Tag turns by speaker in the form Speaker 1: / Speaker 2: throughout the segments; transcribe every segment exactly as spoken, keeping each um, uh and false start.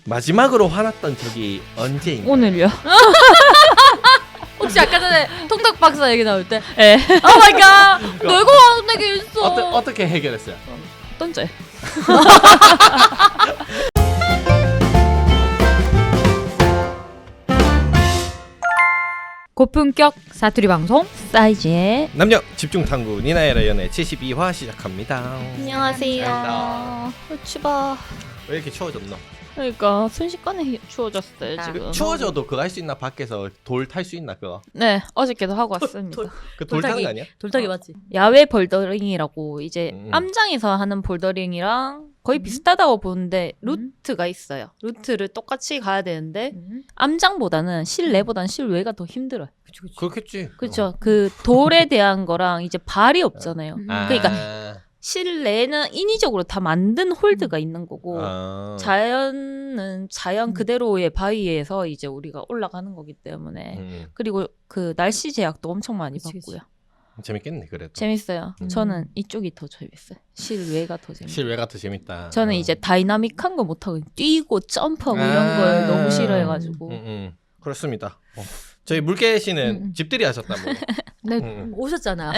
Speaker 1: 마지막으로 화났던 적이 언제인가요?
Speaker 2: 오늘요.
Speaker 3: 혹시 아까 전에 통닭 박사 얘기 나올 때?
Speaker 2: 예.
Speaker 3: 오 마이 갓! 너 이거 화내게 있어.
Speaker 1: 어떠, 어떻게 해결했어요?
Speaker 2: 던져요.
Speaker 3: 고품격 사투리 방송
Speaker 2: 사이즈의
Speaker 1: 남녀 집중 탐구 니나의 연애 칠십이 화 시작합니다.
Speaker 2: 안녕하세요.
Speaker 1: 반갑습니다.
Speaker 2: 어, 추워.
Speaker 1: 왜 이렇게 추워졌노?
Speaker 2: 그러니까 순식간에 추워졌어요
Speaker 3: 아,
Speaker 2: 지금.
Speaker 1: 추워져도 그거 할 수 있나? 밖에서 돌 탈 수 있나 그거?
Speaker 2: 네, 어저께도 하고 왔습니다.
Speaker 3: 돌-
Speaker 1: 그 돌 타는
Speaker 3: 돌타기.
Speaker 1: 거 아니야?
Speaker 3: 돌타기 맞지?
Speaker 2: 야외 볼더링이라고 이제
Speaker 1: 음.
Speaker 2: 암장에서 하는 볼더링이랑 거의
Speaker 3: 음.
Speaker 2: 비슷하다고 보는데
Speaker 3: 음.
Speaker 2: 루트가 있어요. 루트를 똑같이 가야 되는데
Speaker 3: 음.
Speaker 2: 암장보다는 실내보다는 실외가 더 힘들어요.
Speaker 3: 그치 그치.
Speaker 1: 그렇겠지.
Speaker 2: 그렇죠. 그 돌에 대한 거랑 이제 발이 없잖아요.
Speaker 3: 음.
Speaker 1: 아.
Speaker 2: 그러니까 실내는 인위적으로 다 만든 홀드가 있는 거고
Speaker 1: 아.
Speaker 2: 자연은 자연
Speaker 3: 음.
Speaker 2: 그대로의 바위에서 이제 우리가 올라가는 거기 때문에
Speaker 1: 음,
Speaker 2: 그리고 그 날씨 제약도 엄청 많이
Speaker 3: 그치, 그치.
Speaker 2: 받고요.
Speaker 1: 재밌겠네 그래도.
Speaker 2: 재밌어요.
Speaker 1: 음.
Speaker 2: 저는 이쪽이 더 재밌어요. 실외가 더 재밌어요.
Speaker 1: 실외가 더 재밌다.
Speaker 2: 저는
Speaker 1: 어.
Speaker 2: 이제 다이나믹한 거 못하고 뛰고 점프하고
Speaker 1: 아.
Speaker 2: 이런 걸 너무 싫어해가지고
Speaker 1: 음, 음. 그렇습니다. 어. 저희 물개 씨는
Speaker 2: 음, 음.
Speaker 1: 집들이 하셨다고.
Speaker 3: 네
Speaker 1: 음.
Speaker 3: 오셨잖아.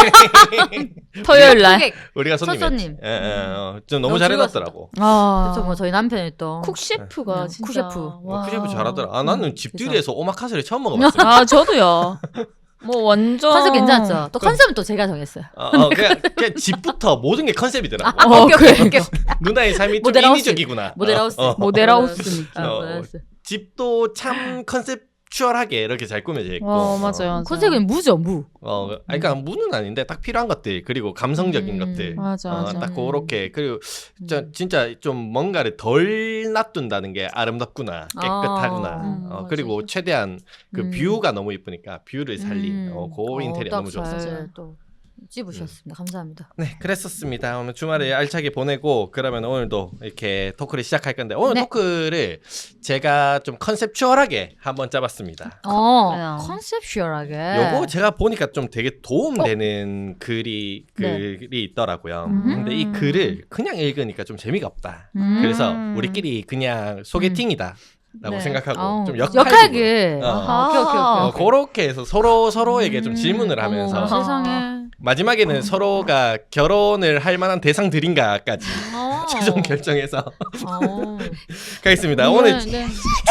Speaker 2: 네. 토요일 날
Speaker 3: 고객.
Speaker 1: 우리가
Speaker 3: 첫
Speaker 1: 손님이었지.
Speaker 3: 손님.
Speaker 1: 예, 예, 어. 좀 너무
Speaker 3: 너무
Speaker 1: 잘해놨더라고.
Speaker 2: 아,
Speaker 3: 그래서 뭐 저희 남편이 또
Speaker 2: 쿡 셰프가
Speaker 3: 음,
Speaker 2: 진짜
Speaker 3: 쿡 셰프.
Speaker 1: 어,
Speaker 2: 와.
Speaker 1: 쿠셰프 잘하더라. 아 나는
Speaker 3: 음,
Speaker 1: 집들이에서 오마카세를 처음 먹어봤어.
Speaker 2: 아 저도요. 뭐 완전
Speaker 3: 컨셉 괜찮았죠? 또 컨셉은 또 제가 정했어요.
Speaker 1: 어, 어, 그냥, 그냥 집부터 모든 게 컨셉이더라고.
Speaker 3: 아,
Speaker 2: 어,
Speaker 3: 오케이 오케이 오케이.
Speaker 1: 누나의 삶이 좀
Speaker 3: 모델하우스.
Speaker 1: 인위적이구나.
Speaker 3: 모델하우스.
Speaker 1: 어, 어.
Speaker 2: 모델하우스 느낌.
Speaker 1: 어,
Speaker 3: 모델하우스.
Speaker 1: 집도 참 컨셉추얼하게 이렇게 잘 꾸며져 있고.
Speaker 2: 와 맞아요. 맞아요.
Speaker 3: 컨셉은 무죠 무.
Speaker 1: 어, 아니, 그러니까 무는 아닌데 딱 필요한 것들 그리고 감성적인
Speaker 3: 음,
Speaker 1: 것들.
Speaker 2: 맞아,
Speaker 1: 어,
Speaker 2: 맞아.
Speaker 1: 딱 그렇게 그리고
Speaker 3: 음.
Speaker 1: 저, 진짜 좀 뭔가를 덜 놔둔다는 게 아름답구나 깨끗하구나.
Speaker 3: 아,
Speaker 2: 음,
Speaker 1: 어,
Speaker 2: 맞아.
Speaker 1: 그리고 최대한 그
Speaker 3: 음.
Speaker 1: 뷰가 너무 이쁘니까 뷰를 살린
Speaker 3: 음.
Speaker 1: 어, 그 인테리어
Speaker 3: 딱
Speaker 1: 너무 좋았어요.
Speaker 3: 잘 또 찝으셨습니다. 감사합니다.
Speaker 1: 네, 그랬었습니다. 오늘 주말에 알차게 보내고 그러면 오늘도 이렇게 토크를 시작할 건데 오늘
Speaker 3: 네.
Speaker 1: 토크를 제가 좀 컨셉추얼하게 한번 짜봤습니다.
Speaker 3: 어
Speaker 2: 그냥.
Speaker 3: 컨셉슈얼하게.
Speaker 1: 요거 제가 보니까 좀 되게 도움되는 글이
Speaker 3: 네.
Speaker 1: 글이 있더라고요.
Speaker 3: 음.
Speaker 1: 근데 이 글을 그냥 읽으니까 좀 재미가 없다.
Speaker 3: 음.
Speaker 1: 그래서 우리끼리 그냥 소개팅이다. 라고
Speaker 2: 네.
Speaker 1: 생각하고
Speaker 3: 아우,
Speaker 1: 좀 역할극으로
Speaker 3: 역할극.
Speaker 1: 어.
Speaker 3: 아하, 오케이 오케이 오케이.
Speaker 1: 어,
Speaker 3: 오케이.
Speaker 1: 그렇게 해서 서로 서로에게 좀
Speaker 3: 음,
Speaker 1: 질문을 하면서
Speaker 3: 어머, 세상에.
Speaker 1: 마지막에는 서로가 결혼을 할 만한 대상들인가까지
Speaker 3: 어.
Speaker 1: 최종 결정해서
Speaker 3: 어.
Speaker 1: 가겠습니다.
Speaker 3: 네,
Speaker 1: 오늘,
Speaker 3: 네.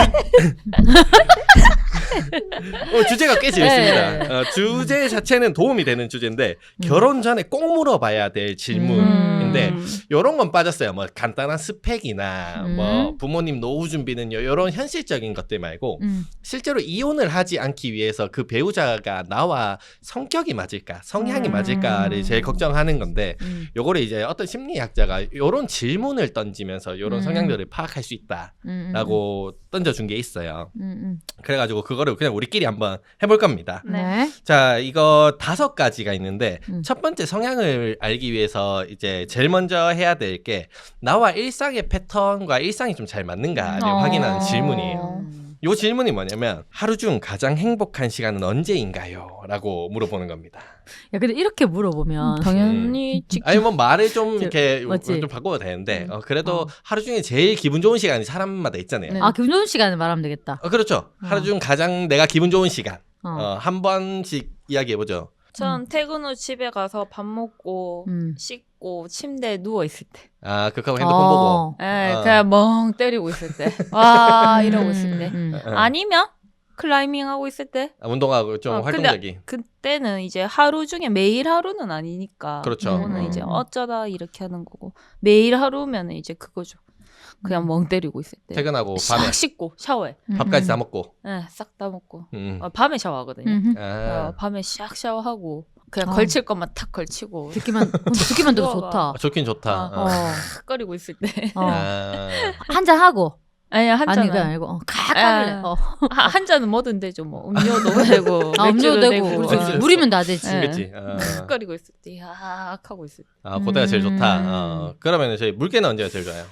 Speaker 1: 오늘 주제가 꽤 재밌습니다.
Speaker 3: 네.
Speaker 1: 어, 주제 자체는 도움이 되는 주제인데 결혼 전에 꼭 물어봐야 될 질문인데
Speaker 2: 음.
Speaker 1: 요런 건 빠졌어요. 뭐 간단한 스펙이나
Speaker 3: 음.
Speaker 1: 뭐 부모님 노후 준비는 요런 현실적인 것들 말고
Speaker 3: 음.
Speaker 1: 실제로 이혼을 하지 않기 위해서 그 배우자가 나와 성격이 맞을까, 성향이
Speaker 2: 음.
Speaker 1: 맞을까를 제일 걱정하는 건데
Speaker 3: 음.
Speaker 1: 요거를 이제 어떤 심리학자가 요런 질문을 던지면서 요런
Speaker 3: 음.
Speaker 1: 성향들을 파악할 수 있다라고
Speaker 3: 음,
Speaker 1: 던져준 게 있어요.
Speaker 3: 음, 음.
Speaker 1: 그래가지고 그거를 그냥 우리끼리 한번 해볼 겁니다.
Speaker 3: 음.
Speaker 2: 네.
Speaker 3: 네.
Speaker 1: 자, 이거 다섯 가지가 있는데
Speaker 3: 음.
Speaker 1: 첫 번째 성향을 알기 위해서 이제 제일 먼저 해야 될 게 나와 일상의 패턴과 일상이 좀 잘 맞는가를
Speaker 2: 어.
Speaker 1: 확인하는 질문이에요.
Speaker 3: 음.
Speaker 1: 요 질문이 뭐냐면 하루 중 가장 행복한 시간은 언제인가요? 라고 물어보는 겁니다.
Speaker 3: 야 근데 이렇게 물어보면
Speaker 2: 당연히 직
Speaker 1: 아니 뭐 말을 좀
Speaker 3: 저,
Speaker 1: 이렇게
Speaker 3: 맞지?
Speaker 1: 좀 바꿔도 되는데 어, 그래도
Speaker 3: 어.
Speaker 1: 하루 중에 제일 기분 좋은 시간이 사람마다 있잖아요.
Speaker 2: 네.
Speaker 3: 아 기분 좋은 시간에 말하면 되겠다.
Speaker 1: 어, 그렇죠.
Speaker 3: 어.
Speaker 1: 하루 중 가장 내가 기분 좋은 시간
Speaker 3: 어.
Speaker 1: 어, 한 번씩 이야기해보죠.
Speaker 2: 전 퇴근 후 집에 가서 밥 먹고
Speaker 3: 음.
Speaker 2: 씻고 침대에 누워 있을 때.
Speaker 1: 아 그거 핸드폰 보고
Speaker 3: 어.
Speaker 2: 에
Speaker 1: 어.
Speaker 2: 그냥 멍 때리고 있을 때. 와 이러고 있을 때.
Speaker 3: 음.
Speaker 1: 어,
Speaker 2: 아니면 클라이밍 하고 있을 때.
Speaker 1: 아, 운동하고 좀
Speaker 2: 어, 근데
Speaker 1: 활동적인
Speaker 2: 그때는 이제 하루 중에 매일 하루는 아니니까.
Speaker 1: 그렇죠.
Speaker 2: 그거는
Speaker 3: 음.
Speaker 2: 이제 어쩌다 이렇게 하는 거고 매일 하루면 이제 그거죠. 그냥 멍 때리고 있을 때.
Speaker 1: 퇴근하고
Speaker 2: 싹
Speaker 1: 밤에
Speaker 2: 씻고 샤워해.
Speaker 3: 음,
Speaker 1: 밥까지
Speaker 3: 음.
Speaker 1: 다 먹고
Speaker 2: 예, 싹 다 먹고.
Speaker 1: 음.
Speaker 2: 어, 밤에 샤워하거든요.
Speaker 3: 음.
Speaker 2: 어,
Speaker 1: 아,
Speaker 2: 밤에 샥 샤워하고 그냥
Speaker 3: 어.
Speaker 2: 걸칠 것만 탁 걸치고
Speaker 3: 듣기만 듣기만 들어도 좋다.
Speaker 1: 어, 좋긴 좋다.
Speaker 2: 어.
Speaker 1: 어.
Speaker 2: 끓이고 있을 때.
Speaker 3: 어.
Speaker 1: 아,
Speaker 3: 한잔 하고
Speaker 2: 아니 한
Speaker 3: 아니 그게
Speaker 2: 잔은
Speaker 3: 아니고 어, 칵하길래.
Speaker 2: 아.
Speaker 3: 어.
Speaker 2: 하- 한 잔은 뭐든 되죠. 뭐 음료도 되고
Speaker 3: 아, 음료
Speaker 2: 맥주도
Speaker 3: 되고
Speaker 2: 되고
Speaker 3: 그렇지.
Speaker 1: 어.
Speaker 3: 물이면 다 되지.
Speaker 2: 네.
Speaker 1: 그치. 어.
Speaker 2: 끓이고 있을 때 야악 하고 있을 때.
Speaker 1: 아, 그때가 제일 좋다.
Speaker 3: 음.
Speaker 1: 어. 그러면 저희 물개는 언제가 제일 좋아요?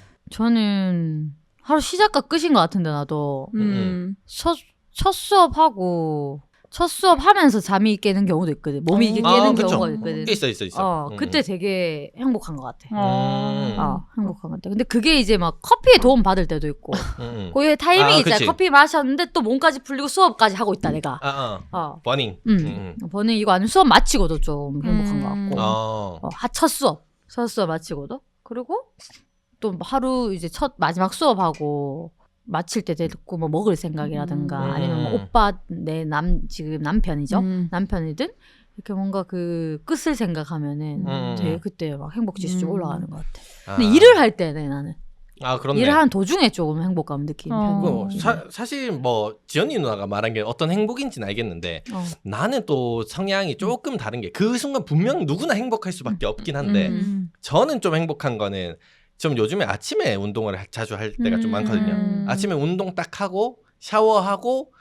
Speaker 3: 저는 하루 시작과 끝인 것 같은데 나도
Speaker 1: 음.
Speaker 2: 음.
Speaker 3: 첫, 첫 수업하고 첫 수업 하면서 잠이 깨는 경우도 있거든. 몸이 이게
Speaker 2: 어.
Speaker 3: 깨는
Speaker 1: 아, 그쵸.
Speaker 3: 경우가 있거든.
Speaker 1: 있어 있어 있어.
Speaker 3: 어,
Speaker 1: 음.
Speaker 3: 그때 되게 행복한 것 같아.
Speaker 2: 어.
Speaker 1: 음.
Speaker 3: 어, 행복한 것 같아. 근데 그게 이제 막 커피에 도움 받을 때도 있고,
Speaker 1: 음, 음.
Speaker 3: 고유의 타이밍이
Speaker 1: 아,
Speaker 3: 있잖아.
Speaker 1: 그치.
Speaker 3: 커피 마셨는데 또 몸까지 풀리고 수업까지 하고 있다 내가.
Speaker 1: 아, 어.
Speaker 3: 어,
Speaker 1: 버닝.
Speaker 3: 음, 버는 이거 아니면 수업 마치고도 좀 행복한 것
Speaker 2: 음.
Speaker 3: 같고,
Speaker 1: 어.
Speaker 3: 어, 하- 첫 수업, 첫 수업 마치고도 그리고 또 하루 이제 첫 마지막 수업하고. 마칠 때 됐고 뭐 먹을 생각이라든가
Speaker 2: 음.
Speaker 3: 아니면 뭐 오빠 내 남 지금 남편이죠
Speaker 2: 음.
Speaker 3: 남편이든 이렇게 뭔가 그 끝을 생각하면은
Speaker 1: 음.
Speaker 3: 되게 그때 막 행복 지수 좀
Speaker 2: 음.
Speaker 3: 올라가는 것 같아.
Speaker 1: 아.
Speaker 3: 근데 일을 할 때는 나는
Speaker 1: 아 그렇네.
Speaker 3: 일을 하는 도중에 조금 행복감 느끼는
Speaker 2: 어.
Speaker 3: 편이야.
Speaker 1: 그 사, 사실 뭐 지연이 누나가 말한 게 어떤 행복인지는 알겠는데
Speaker 3: 어.
Speaker 1: 나는 또 성향이 조금 다른 게 그 순간 분명 누구나 행복할 수밖에 없긴 한데
Speaker 2: 음.
Speaker 1: 저는 좀 행복한 거는 좀 요즘에 아침에 운동을 하- 자주 할 때가 좀
Speaker 3: 음.
Speaker 1: 많거든요.
Speaker 2: 음.
Speaker 1: 아침에 운동 딱 하고 샤워하고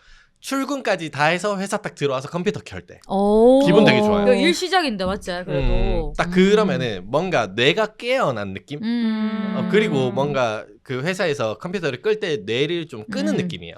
Speaker 1: 출근까지 다 해서 회사 딱 들어와서 컴퓨터 켤 때.
Speaker 3: 오.
Speaker 1: 기분 되게 좋아요.
Speaker 3: 이거 일 시작인데 맞지? 그래도
Speaker 1: 음, 딱 그러면은 뭔가 뇌가 깨어난 느낌?
Speaker 3: 음.
Speaker 1: 어, 그리고 뭔가 그 회사에서 컴퓨터를 끌 때 뇌를 좀 끄는
Speaker 3: 음.
Speaker 1: 느낌이에요.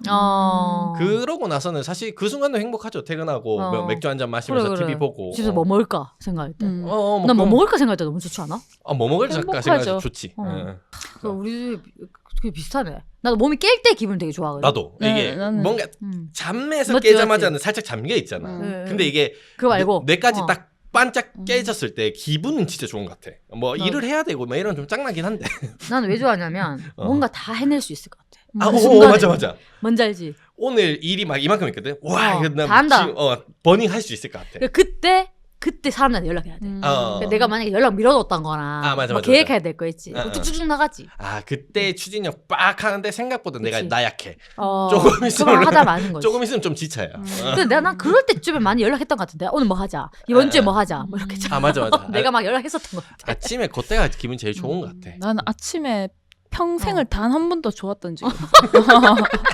Speaker 3: 어.
Speaker 1: 그러고 나서는 사실 그 순간도 행복하죠. 퇴근하고
Speaker 3: 어.
Speaker 1: 뭐 맥주 한 잔 마시면서
Speaker 3: 그래, 그래.
Speaker 1: 티비 보고.
Speaker 3: 집에서 뭐 먹을까 생각할 때.
Speaker 2: 음.
Speaker 1: 어, 어, 뭐
Speaker 3: 난 뭐
Speaker 1: 그럼-
Speaker 3: 먹을까 생각할 때 너무 좋지 않아?
Speaker 1: 어, 뭐 먹을까
Speaker 2: 행복하죠.
Speaker 1: 생각해서 좋지.
Speaker 3: 어.
Speaker 1: 응.
Speaker 3: 그 우리 집이 그게 비슷하네. 나도 몸이 깰 때 기분 되게 좋아하거든.
Speaker 1: 나도
Speaker 2: 네,
Speaker 1: 이게
Speaker 2: 나는-
Speaker 1: 뭔가
Speaker 3: 음.
Speaker 1: 잠에서
Speaker 3: 맞지,
Speaker 1: 깨자마자는 살짝 잠겨 있잖아.
Speaker 2: 음.
Speaker 3: 네,
Speaker 1: 근데
Speaker 3: 네.
Speaker 1: 이게
Speaker 3: 그거 말고
Speaker 1: 뇌, 뇌까지
Speaker 3: 어.
Speaker 1: 딱 반짝
Speaker 2: 음.
Speaker 1: 깨졌을 때 기분은 진짜 좋은 것 같아. 뭐
Speaker 3: 나도.
Speaker 1: 일을 해야 되고 뭐 이런 좀 짱나긴 한데.
Speaker 3: 나는 왜 좋아하냐면
Speaker 1: 어.
Speaker 3: 뭔가 다 해낼 수 있을 것 같아.
Speaker 1: 아,
Speaker 3: 그
Speaker 1: 오,
Speaker 3: 순간에.
Speaker 1: 맞아 맞아.
Speaker 3: 뭔지 알지?
Speaker 1: 오늘 일이 막 이만큼 있거든. 와,
Speaker 3: 어,
Speaker 1: 이거 나
Speaker 3: 다 한다.
Speaker 1: 지금 어, 버닝 할 수 있을 것 같아.
Speaker 3: 그러니까 그때 그때 사람들한테 연락해야 돼.
Speaker 2: 음.
Speaker 1: 어.
Speaker 3: 그러니까 내가 만약에 연락 미뤄뒀던 거나
Speaker 1: 아, 맞아,
Speaker 3: 뭐
Speaker 1: 맞아,
Speaker 3: 계획해야 될 거 있지.
Speaker 1: 어, 어.
Speaker 3: 쭉쭉 나가지.
Speaker 1: 아, 그때 추진력 빡 하는데 생각보다 내가
Speaker 3: 그치.
Speaker 1: 나약해.
Speaker 3: 어,
Speaker 1: 조금 있으면
Speaker 3: 그만 하다 마는 거지.
Speaker 1: 조금 있으면 좀 지쳐요.
Speaker 2: 음.
Speaker 1: 어.
Speaker 3: 근데 내가 난 그럴 때쯤에 많이 연락했던 것 같은데 오늘 뭐 하자. 이번
Speaker 1: 아,
Speaker 3: 주에
Speaker 1: 아.
Speaker 3: 뭐 하자. 뭐 이렇게
Speaker 1: 아, 맞아 맞아.
Speaker 3: 내가 막 연락했었던 것 같아.
Speaker 1: 아침에 그때가 기분 제일 좋은
Speaker 3: 음.
Speaker 1: 것 같아.
Speaker 2: 나는 아침에 평생을
Speaker 3: 어.
Speaker 2: 단 한 번도 좋았던 적이 없어.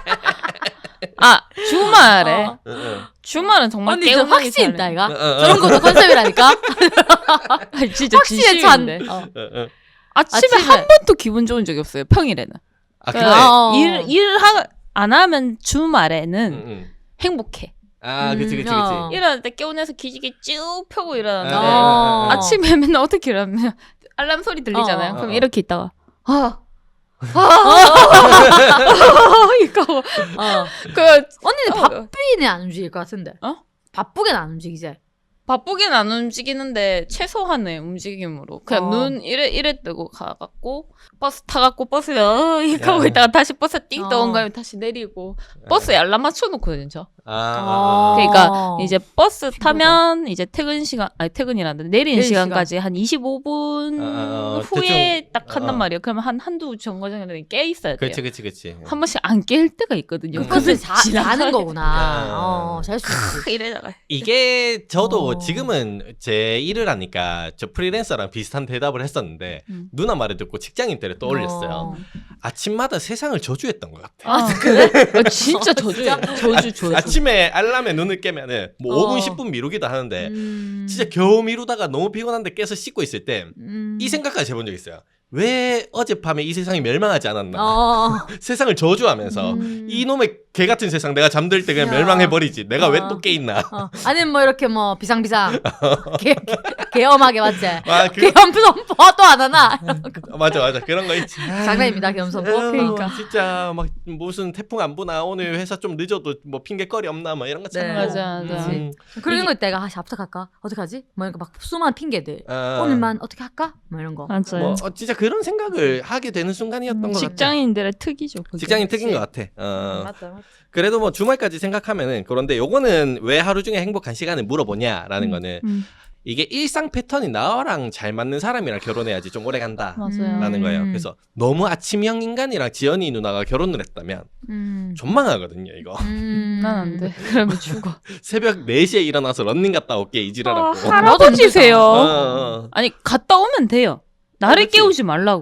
Speaker 2: 아 주말에
Speaker 3: 어.
Speaker 1: 응, 응.
Speaker 2: 주말은 정말
Speaker 3: 언니 저
Speaker 2: 깨우는
Speaker 3: 확신 있다 이가.
Speaker 1: 어, 어, 어.
Speaker 3: 저런 것도 컨셉이라니까.
Speaker 2: 진짜
Speaker 3: 확신에 찬.
Speaker 2: 진심인데.
Speaker 3: 어.
Speaker 1: 어, 어.
Speaker 2: 아침에,
Speaker 3: 아침에.
Speaker 2: 한 번도 기분 좋은 적이 없어요. 평일에는.
Speaker 1: 아, 근데
Speaker 3: 아, 어.
Speaker 2: 일 일안 하면 주말에는
Speaker 1: 응, 응.
Speaker 2: 행복해.
Speaker 1: 아, 그치 그치 그치.
Speaker 3: 어.
Speaker 2: 일어날 때 깨우면서 기지개 쭉 펴고 일어나는데
Speaker 3: 어.
Speaker 2: 아침에 맨날 어떻게 일어나면 알람 소리 들리잖아요.
Speaker 3: 어.
Speaker 2: 그럼
Speaker 1: 어.
Speaker 2: 이렇게 있다가 아 이거
Speaker 3: 어.
Speaker 2: 그
Speaker 3: 언니는
Speaker 2: 어.
Speaker 3: 바쁘게는 안 움직일 것 같은데.
Speaker 2: 어?
Speaker 3: 바쁘게는 안 움직이지.
Speaker 2: 바쁘게는 안 움직이는데 최소한의 움직임으로 그냥
Speaker 3: 어.
Speaker 2: 눈 이래 이래 뜨고 가갖고 버스 타갖고 버스에 어, 이렇게 하고
Speaker 1: 야.
Speaker 2: 있다가 다시 버스 띵
Speaker 3: 어.
Speaker 2: 떠온가면 다시 내리고 버스에 알람 맞춰놓거든요. 저.
Speaker 1: 아, 아, 아.
Speaker 2: 그러니까 이제 버스
Speaker 3: 힘들다.
Speaker 2: 타면 이제 퇴근 시간 아니 퇴근이란다 내리는
Speaker 3: 내리는
Speaker 2: 시간까지 한 이십오 분
Speaker 1: 아, 아, 어,
Speaker 2: 후에
Speaker 1: 대충,
Speaker 2: 딱 한단
Speaker 1: 어, 어.
Speaker 2: 말이에요. 그러면 한 한두 정거장에 깨 있어야 돼요.
Speaker 1: 그치 그치 그치.
Speaker 2: 한 번씩 안 깰 때가 있거든요.
Speaker 1: 그
Speaker 3: 버스
Speaker 1: 버스에
Speaker 3: 자, 자는 거구나.
Speaker 1: 아.
Speaker 3: 어, 잘 수 있지.
Speaker 2: 이래다가
Speaker 1: 이게 저도
Speaker 3: 어.
Speaker 1: 지금은 제 일을 하니까 저 프리랜서랑 비슷한 대답을 했었는데
Speaker 2: 음.
Speaker 1: 누나 말을 듣고 직장인 때를 떠올렸어요.
Speaker 3: 어.
Speaker 1: 아침마다 세상을 저주했던 것 같아.
Speaker 2: 아 그래? 아, 진짜 저주예요. 저주 저주.
Speaker 1: 아침에 알람에 눈을 깨면은 뭐
Speaker 3: 어.
Speaker 1: 오 분 십 분 미루기도 하는데
Speaker 3: 음.
Speaker 1: 진짜 겨우 미루다가 너무 피곤한데 깨서 씻고 있을 때 이
Speaker 3: 음.
Speaker 1: 생각까지 해본 적 있어요. 왜 어젯밤에 이 세상이 멸망하지 않았나?
Speaker 3: 어.
Speaker 1: 세상을 저주하면서
Speaker 3: 음.
Speaker 1: 이놈의 개 같은 세상 내가 잠들 때 그냥
Speaker 3: 야.
Speaker 1: 멸망해버리지. 내가 왜
Speaker 3: 어.
Speaker 1: 또 깨 있나?
Speaker 3: 어. 아니면 뭐 이렇게 뭐 비상비상 개, 개, 개엄하게 맞지?
Speaker 1: 아, 그,
Speaker 3: 개엄선포 또 안 하나?
Speaker 1: 맞아 맞아 그런 거 있지.
Speaker 3: 장난입니다 개엄선포.
Speaker 1: 어,
Speaker 2: 그러니까.
Speaker 1: 진짜 막 무슨 태풍 안 부나 오늘 회사 좀 늦어도 뭐 핑계거리 없나 막 이런 거
Speaker 3: 네.
Speaker 1: 참.
Speaker 2: 맞아, 맞아.
Speaker 1: 음.
Speaker 3: 그런
Speaker 2: 이게-
Speaker 3: 거 있다. 아, 어떡할까? 어떡하지? 뭐 이렇게 막 수많은 핑계들.
Speaker 1: 어,
Speaker 3: 오늘만 어떻게 할까? 뭐 이런 거.
Speaker 2: 맞아요.
Speaker 1: 뭐 어, 진짜 그런 생각을 하게 되는 순간이었던 것 같아.
Speaker 2: 직장인들의 특이죠. 그게.
Speaker 1: 직장인 특인 것
Speaker 3: 그치.
Speaker 1: 같아. 어.
Speaker 3: 맞다, 맞다.
Speaker 1: 그래도 뭐 주말까지 생각하면은 그런데 요거는 왜 하루 중에 행복한 시간을 물어보냐라는
Speaker 2: 음,
Speaker 1: 거는
Speaker 2: 음,
Speaker 1: 이게 일상 패턴이 나랑 잘 맞는 사람이랑 결혼해야지 좀 오래 간다라는
Speaker 2: 맞아요.
Speaker 3: 음.
Speaker 1: 거예요. 그래서 너무 아침형 인간이랑 지연이 누나가 결혼을 했다면
Speaker 3: 음.
Speaker 1: 존망하거든요 이거.
Speaker 3: 음.
Speaker 2: 난 안 돼. 그러면 죽어.
Speaker 1: 새벽 네 시에 일어나서 런닝 갔다 올게 이지랄하고.
Speaker 2: 아, 할아버지세요.
Speaker 1: 어, 어.
Speaker 2: 아니 갔다 오면 돼요. 나를
Speaker 1: 그렇지.
Speaker 2: 깨우지 말라고.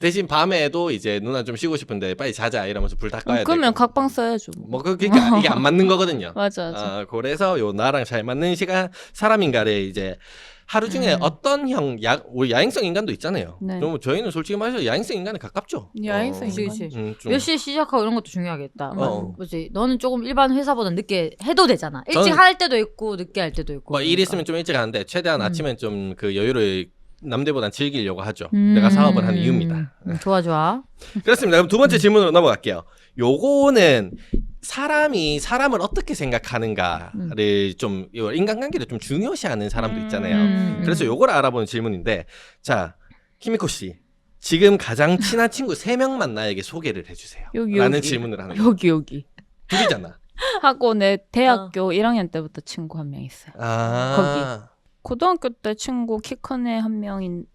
Speaker 1: 대신 밤에도 이제 누나 좀 쉬고 싶은데 빨리 자자 이러면서 불 다 꺼야 돼.
Speaker 2: 그러면 각방 써야죠. 뭐.
Speaker 1: 뭐 그- 그러니까 이게 안 맞는 거거든요.
Speaker 2: 맞아, 맞아.
Speaker 1: 아, 그래서 요 나랑 잘 맞는 시간 사람인가를 이제 하루 중에
Speaker 2: 음.
Speaker 1: 어떤 형, 야, 우리 야행성 인간도 있잖아요.
Speaker 2: 네.
Speaker 1: 그럼 저희는 솔직히 말해서 야행성 인간에 가깝죠.
Speaker 2: 야행성
Speaker 1: 어,
Speaker 3: 그치,
Speaker 2: 인간.
Speaker 3: 그치.
Speaker 1: 음, 좀.
Speaker 3: 몇 시에 시작하고 이런 것도 중요하겠다.
Speaker 1: 어.
Speaker 3: 뭐지? 너는 조금 일반 회사보다 늦게 해도 되잖아. 일찍
Speaker 1: 저는-
Speaker 3: 할 때도 있고 늦게 할 때도 있고.
Speaker 1: 뭐 일
Speaker 3: 그러니까.
Speaker 1: 있으면 좀 일찍 하는데 최대한
Speaker 3: 음.
Speaker 1: 아침엔 좀 그 여유를 남들보단 즐기려고 하죠.
Speaker 2: 음.
Speaker 1: 내가 사업을 하는 이유입니다.
Speaker 3: 음, 좋아 좋아.
Speaker 1: 그렇습니다. 그럼 두 번째 질문으로 넘어갈게요. 요거는 사람이 사람을 어떻게 생각하는가를 좀 이거 인간관계를 좀 중요시하는 사람도 있잖아요.
Speaker 2: 음.
Speaker 1: 그래서 요걸 알아보는 질문인데, 자 키미코 씨 지금 가장 친한 친구 세 명만 나에게 소개를 해주세요.
Speaker 2: 여기,
Speaker 1: 라는
Speaker 2: 여기.
Speaker 1: 질문을 하는 거예요.
Speaker 2: 여기 여기.
Speaker 1: 둘이잖아.
Speaker 2: 하고 내 대학교 일 학년 때부터 친구 한 명 있어요.
Speaker 1: 아
Speaker 2: 고등학교 때 친구 키 큰 애 한 명 있고